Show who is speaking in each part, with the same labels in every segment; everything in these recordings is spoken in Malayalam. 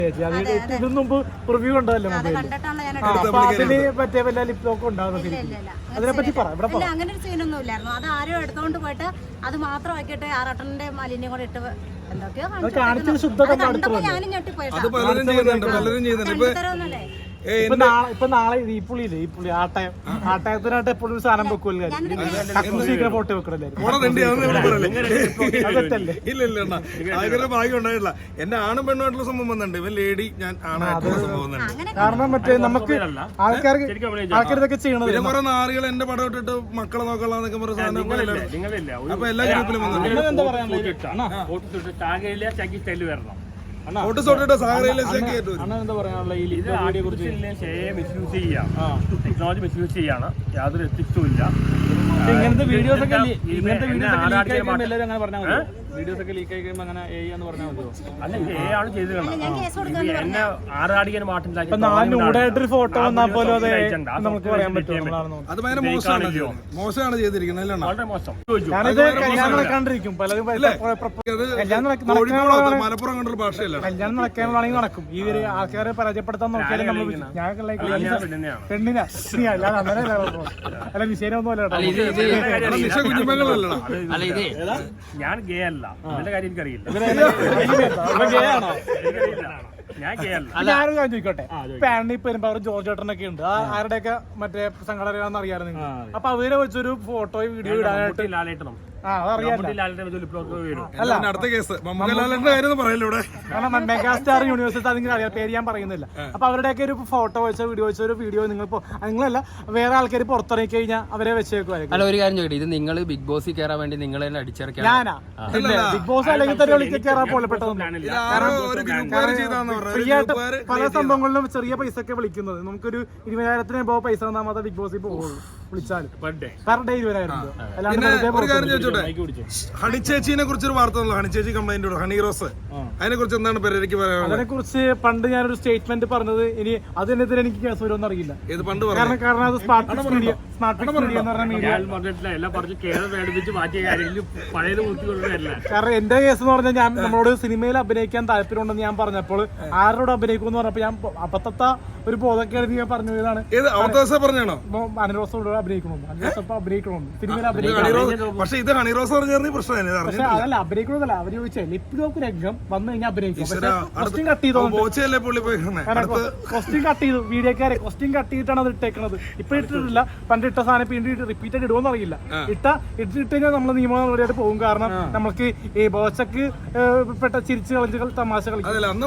Speaker 1: ഇതിനു മുമ്പ് റിവ്യൂ ഉണ്ടല്ലോ അതില് പറ്റിയ വല്ല ലിപ് ലോക്ക് ഉണ്ടാകുന്നത് അതിനെ പറ്റി പറയാം.
Speaker 2: അങ്ങനെ ഒരു സീനൊന്നും ഇല്ലായിരുന്നു. അത് ആരും എടുത്തോണ്ട് പോയിട്ട് അത് മാത്രം ആക്കിയിട്ട് ആറട്ടന്റെ മാലിന്യം കൂടെ ഇട്ട് എന്തൊക്കെയോ
Speaker 1: കാണിച്ചത് ശുദ്ധത
Speaker 2: ഞാനും ഞെട്ടിപ്പോയി.
Speaker 1: ഇപ്പൊ നാളെ ഈ പുള്ളിയില്ലേ ഈ പുള്ളി ആട്ടയത്തിനായിട്ട് എപ്പോഴും ഒരു സാധനം വെക്കുമല്ലോ ഫോട്ടോ വെക്കണല്ലേ.
Speaker 3: ഭാഗ്യം ഉണ്ടായിട്ടില്ല. എന്റെ ആണും പെണ്ണുമായിട്ടുള്ള സംഭവം വന്നിട്ടുണ്ട്. ഇവൻ ലേഡി, ഞാൻ ആണായിട്ടുള്ള സംഭവം.
Speaker 1: കാരണം മറ്റേ നമുക്ക് ആൾക്കാർ ചെയ്യണത്
Speaker 3: കുറെ നാറികൾ എന്റെ പടം ഇട്ടിട്ട് മക്കളെ നോക്കാന്നൊക്കെ പറഞ്ഞ സാധനം അപ്പൊ എല്ലാ ഗ്രൂപ്പിലും വന്നിട്ടുണ്ട്.
Speaker 1: എന്താ പറയാനുള്ളത്?
Speaker 4: ടെക്നോളജി മിസ്യൂസ് ചെയ്യാണ്. യാതൊരു എത്തിക്സും ഇല്ല.
Speaker 1: ഇങ്ങനത്തെ വീഡിയോസ് ഒക്കെ വീഡിയോസ് ഒക്കെ ലീക്ക് ആയി കഴിയുമ്പോൾ അങ്ങനെ എന്ന് പറഞ്ഞാൽ മതിയോ?
Speaker 4: അല്ല, ഇത് ആണ് ചെയ്ത് എന്നെ ആറാടിക്കാൻ
Speaker 1: മാറ്റില്ലായിട്ടൊരു ഫോട്ടോ വന്നാൽ പോലും അത് നമുക്ക് പറയാൻ പറ്റും.
Speaker 3: അത് ഭയങ്കര മോശമാണ് ചെയ്തിരിക്കുന്നത്.
Speaker 4: വളരെ മോശം.
Speaker 1: ഞാനിത് കല്യാണം നടക്കാണ്ടിരിക്കും. പലരും
Speaker 3: മലപ്പുറം കണ്ടുള്ള ഭാഷയല്ല.
Speaker 1: കല്യാണം നടക്കാനാണെങ്കിൽ നടക്കും. ഈ ആൾക്കാരെ പരാജയപ്പെടുത്താൻ നോക്കിയാലും നമ്മൾ പെണ്ണിനാ അല്ലാതെ അങ്ങനെ അല്ല വിഷയമൊന്നും അല്ല.
Speaker 4: ഞാൻ ഗേ അല്ല. അതിന്റെ കാര്യം എനിക്കറിയില്ല. ഞാൻ ഗേ അല്ല.
Speaker 1: ഞാനൊരു കാര്യം ചോദിക്കട്ടെ. പാനി പെരുമ്പാവൂർ ജോർജ് ചേട്ടനൊക്കെ ഉണ്ട്. ആരുടെയൊക്കെ മറ്റേ സംഘടന അറിയാറ് നിങ്ങൾ. അപ്പൊ അവരെ വെച്ചൊരു ഫോട്ടോയും വീഡിയോ ഇടാനായിട്ട്
Speaker 4: ലാലേട്ടണം
Speaker 3: അടുത്ത കേസ് മമ്മൂക്കലാലിന്റെ കാര്യം പറയല്ലോ ഇവിടെ.
Speaker 1: കാരണം മെഗാസ്റ്റാർ യൂണിവേഴ്സിറ്റി അതിങ്ങനെ അറിയാം, പേര് ഞാൻ പറയുന്നില്ല. അപ്പൊ അവരുടെയൊക്കെ ഒരു ഫോട്ടോ വെച്ച വീഡിയോ വെച്ച ഒരു വീഡിയോ നിങ്ങളല്ല വേറെ ആൾക്കാർ പുറത്തിറങ്ങി കഴിഞ്ഞാൽ അവരെ വെച്ചേക്കുമായിരിക്കും.
Speaker 5: അല്ല, ഒരു കാര്യം ചോദിക്കട്ടെ, ഇത് നിങ്ങൾ ബിഗ് ബോസിൽ കയറാൻ വേണ്ടി നിങ്ങൾ തന്നെ അടിച്ചിറക്കാൻ?
Speaker 1: ഞാനാ ബിഗ് ബോസ് അല്ലെങ്കിൽ തന്നെ കയറാൻ പോലെപ്പെട്ടതൊന്നും. ഫ്രീ ആയിട്ട് പല സംഭവങ്ങളിലും ചെറിയ പൈസ ഒക്കെ വിളിക്കുന്നത്. നമുക്കൊരു 20,000 എബോ പൈസ തന്നാൽ മാത്രമേ ബിഗ് ബോസിൽ പോകുള്ളൂ. വിളിച്ചാലും പെർ ഡേ 20,000 രൂപ. അല്ലാണ്ട്
Speaker 3: ഹണിച്ചേച്ചിനെ കുറിച്ചൊരു വാർത്ത വന്നല്ലോ. ഹണിച്ചേച്ചി കംപ്ലൈന്റ് ഹണി റോസ്, അതിനെ കുറിച്ച് എന്താണ് പേരേക്ക് പറയാനുള്ളത്?
Speaker 1: അതിനെ കുറിച്ച് പണ്ട് ഞാനൊരു സ്റ്റേറ്റ്മെന്റ് പറഞ്ഞത്. ഇനി അതിനെതിരെ എനിക്ക് കേസ് വരുമെന്ന് അറിയില്ല. കാരണം അത് സ്മാർട്ട് മീഡിയ എന്ന് പറഞ്ഞ മീഡിയ. കാരണം എന്റെ കേസ് എന്ന് പറഞ്ഞാൽ ഞാൻ നമ്മളോട് സിനിമയിൽ അഭിനയിക്കാൻ താല്പര്യമുണ്ടെന്ന് ഞാൻ പറഞ്ഞപ്പോൾ ആരോട് അഭിനയിക്കുമെന്ന് പറഞ്ഞപ്പോൾ ഞാൻ അബദ്ധത്ത ഒരു ബോധക്കേട് ഞാൻ പറഞ്ഞു. ഇതാണ് അനുരോസോട് അഭിനയിക്കണമെന്ന്. അനുരോസപ്പം അഭിനയിക്കണമെന്ന് സിനിമയിൽ അഭിനയിക്കണം.
Speaker 3: പക്ഷെ ഇത് ഹണിറോസ്
Speaker 1: പക്ഷെ അതല്ല അഭിനയിക്കണമെന്നല്ല. അവര് ചോദിച്ചാൽ ലിപ് ലോക്ക് രംഗം വന്നു കഴിഞ്ഞാൽ അഭിനയിക്കും. ക്വസ്റ്റ്യൻ കട്ട് ചെയ്തു വീഡിയോക്കാരെ ക്വസ്റ്റ്യൻ കട്ട് ചെയ്തിട്ടാണ് അത് ഇട്ടേക്കണത്. ഇപ്പൊ ഇട്ടിട്ടില്ല. പണ്ട് ഇട്ട സാധനം പിന്നീട് റിപ്പീറ്റഡ് ഇടുമെന്ന് അറിയില്ല. ഇട്ടിട്ട് കഴിഞ്ഞാൽ നമ്മൾ നിയമ നടപടിയായിട്ട് പോകും. കാരണം നമുക്ക് ഈ ബോച്ചക്ക് പെട്ട ചിരിച്ച് കളിച്ചുകൾ തമാശ കളിക്കും.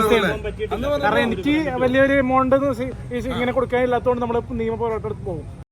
Speaker 1: കാരണം എനിക്ക് വലിയൊരു എമൗണ്ട് ഇങ്ങനെ കൊടുക്കാനില്ലാത്തതുകൊണ്ട് നമ്മൾ നിയമ പോരാട്ടം പോകും.